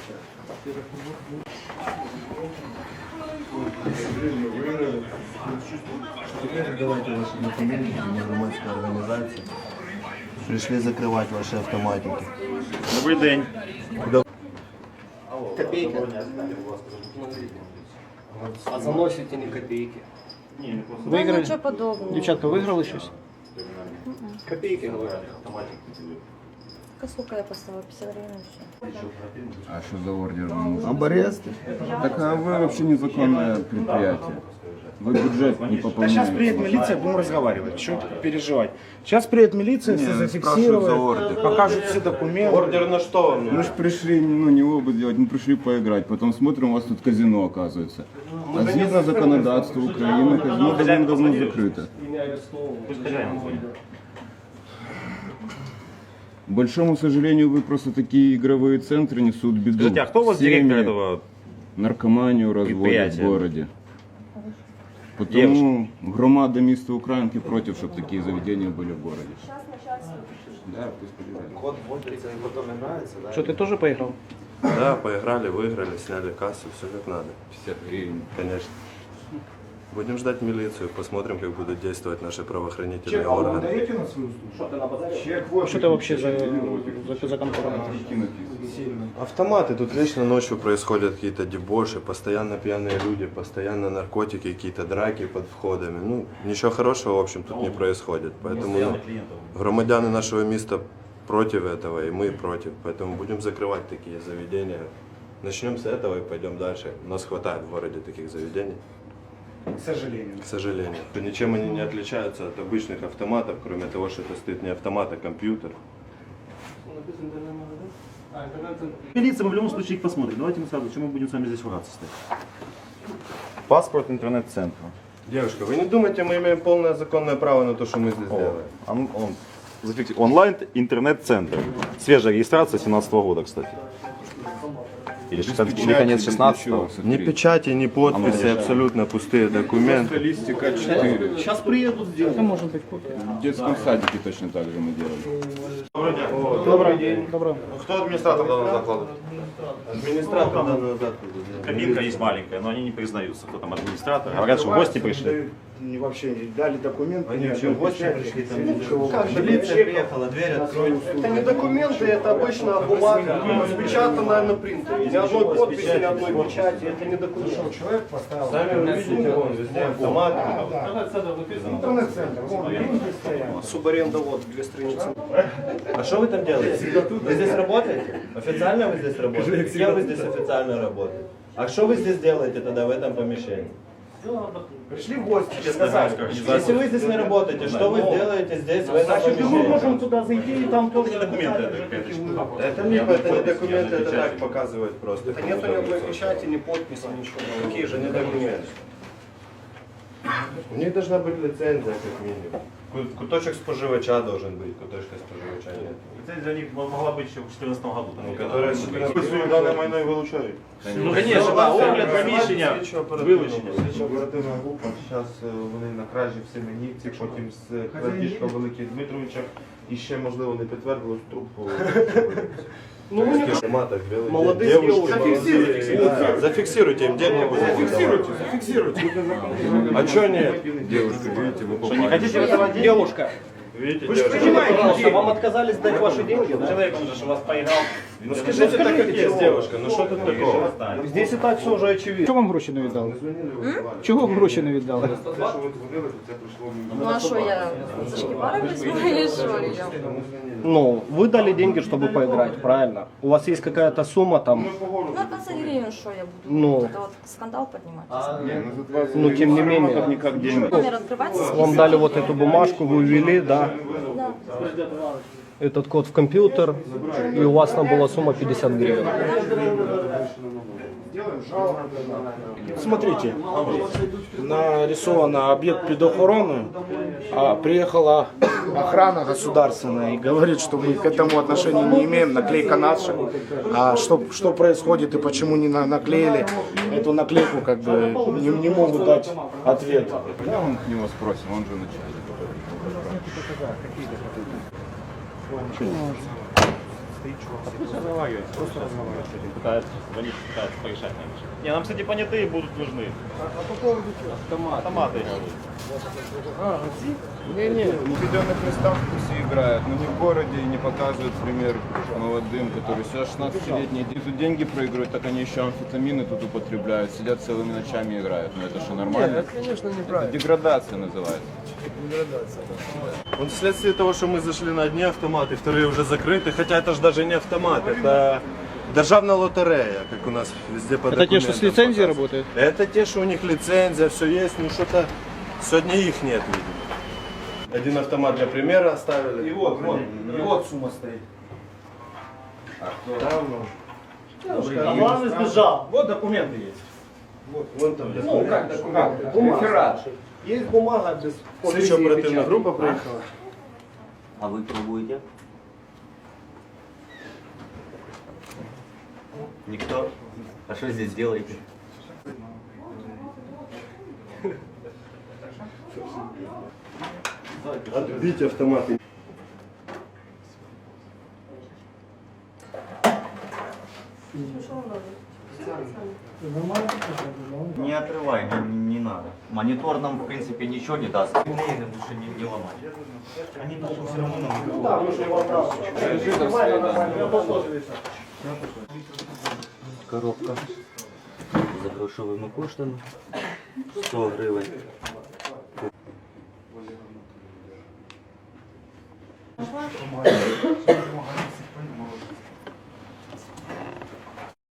Давайте ваши документы, мы громадская организация. Пришли закрывать ваши автоматики. Добрий день. Копейки. А заносите не копейки. Да ничего подобного. Дівчатка, виграли щось? Копейки, говорю. Сколько я поставила? 50 гривен еще. А что за ордер вам нужен? Об аресте? Так а вы вообще незаконное предприятие. Вы бюджет не Да пополняете. сейчас приедет милиция, будем разговаривать. Что переживать? Сейчас приедет милиция, все спрашивают за зафиксируют, ордер. покажут все документы. Ордер на что? Мы же пришли, не опыт делать, мы пришли поиграть. Потом смотрим, у вас тут казино оказывается. А згідно законодательства Украины, казино давно закрыто. Пусть хозяин звонит. К большому сожалению, вы просто такие игровые центры несут беду. Скажите, а кто у вас Семьи, директор этого? Наркоманию разводят в предприятия? городе. Потому громада міста Українки против, чтобы такие заведения были в городе. Да, пусть подбирают. Код вводится и потом играется, да? Что, ты тоже поиграл? Да, поиграли, выиграли, сняли кассу, все как надо. 50 гривен. Конечно. Будем ждать милицию, посмотрим, как будут действовать наши правоохранительные органы. даете на свою службу? Что это вообще за контора? Автоматы, тут вечно ночью происходят какие-то дебоши, постоянно пьяные люди, постоянно наркотики, какие-то драки под входами. Ну, ничего хорошего, в общем, тут не происходит. Поэтому громадяне нашего места против этого, и мы против. Поэтому будем закрывать такие заведения. Начнем с этого и пойдем дальше. У нас хватает в городе таких заведений. К сожалению. К сожалению. Ничем они не отличаются от обычных автоматов, кроме того, что это стоит не автомат, а компьютер. Милиция, мы в любом случае их посмотрим. Давайте мы сразу, чем мы будем с вами здесь враться стоять? Паспорт интернет-центра. Девушка, вы не думайте, мы имеем полное законное право на то, что мы здесь делаем. Онлайн интернет-центр. Свежая регистрация 2017 года, кстати. Или конец 16-го. Ни печати, ни подписи, абсолютно пустые документы. Листика 4. Сейчас приедут сделать. Это может быть копия. В детском садике точно так же мы делали. Добрый день. Добрый. Кто администратор данного заклада? Администратор данного заклада. Кабинка есть маленькая, но они не признаются, кто там администратор. Говорят, что в гости пришли. Не вообще дали документы. Они вообще в гости пришли, там Милиция приехала, дверь открою. Это не документы, это обычная бумага, распечатанная на принтере. Ни одной подписи, ни одной печати, это не документ. Человек поставил. Сами вы видите, вон везде автоматы. Интернет-центр. Вон, деньги стоят. Субаренда, вот, 2 страницы. А что вы там делаете? Вы здесь работаете? Официально вы здесь работаете? Кем вы здесь официально работаете? А что вы здесь делаете тогда в этом помещении? Пришли в гости, сказали. Если вы здесь не работаете, что вы делаете здесь в этом Значит, мы помещении? можем туда зайти и там тоже документы, Это не документы, это так показывает просто. Это нету ни одной печати, ни подписи, ничего. Какие же не документы? У них должна быть лицензия, как минимум. Куточек споживача должен быть, куточка споживача нет. Лицензия у них могла быть еще в 2014 году. Которая данное майно и вилучають. Ну, конечно, да, огляд приміщення, вилучення. Оперативна група, зараз вони на кражі в Семенівці, потім з крадіжка Великих Дмитровичах і ще, можливо, не підтвердилось трубку. Ну, вы не автоматах, молодые девушки, девушки. зафиксируйте им деньги. зафиксируйте. А что нет? Девушка, видите, вы Что, не хотите выдавать деньги? Девушка, Видите, вы же девушка? понимаете, пожалуйста, вам отказались дать ваши деньги? Да? Человек, он же у вас поиграл. Ну скажите так, как есть, девушка, ну что тут такого? Здесь и так все уже очевидно. Чого вам гроші не віддали? Чого вам гроші не віддали? Те, що ви дзвонили, то це прийшло Ну а что я? Шкипара возьму или что? Ну, вы дали деньги, чтобы поиграть, правильно? У вас есть какая-то сумма там, Ну 20 гривен, что я буду? Ну. Это вот скандал поднимать. ну, тем не менее. Никак деньги. Номер открывается. Вам дали вот эту бумажку, вы ввели, да, Да. этот код в компьютер, и у вас там была сумма 50 гривен. Смотрите, нарисован объект под охраной, а приехала охрана государственная и говорит, что мы к этому отношения не имеем, наклейка наша. А что происходит и почему не наклеили эту наклейку, как бы не могут дать ответ. Да, он к него спросим, он же начальник. стоит чувак. Разговаривает, просто разговаривает с этим. Пытается порешать. Не, нам, кстати, понятые будут нужны. А по поводу чего? Автоматы. В определенных местах все играют, но не в городе и не показывают пример молодым, которые сейчас 16-летние тут деньги проигрывают, так они еще амфетамины тут употребляют, сидят целыми ночами играют. Ну это что, нормально? Это, конечно, неправильно. Это деградация называется. Вот вследствие того, что мы зашли на одни автоматы, вторые уже закрыты, хотя это же даже не автомат, это державная лотерея, как у нас везде по Это те, что с документам лицензией показывают. работают? Это те, что у них лицензия, все есть, ну что-то сегодня их нет, видимо. Один автомат для примера оставили. И вот сумма стоит. А главный сбежал. Вот документы есть. Вон там. Ну, как документы? Бумага. Есть бумага без Слідчо оперативна група приїхала. А вы пробуете? Никто? А что здесь делаете? Отбить автоматы. Не отрывай, не надо. Монитор нам, в принципе, ничего не даст. Линейно лучше не ломать. Они потом все равно нам... Да, мы же его отправили. Коробка за грошовими коштами. 100 гривень.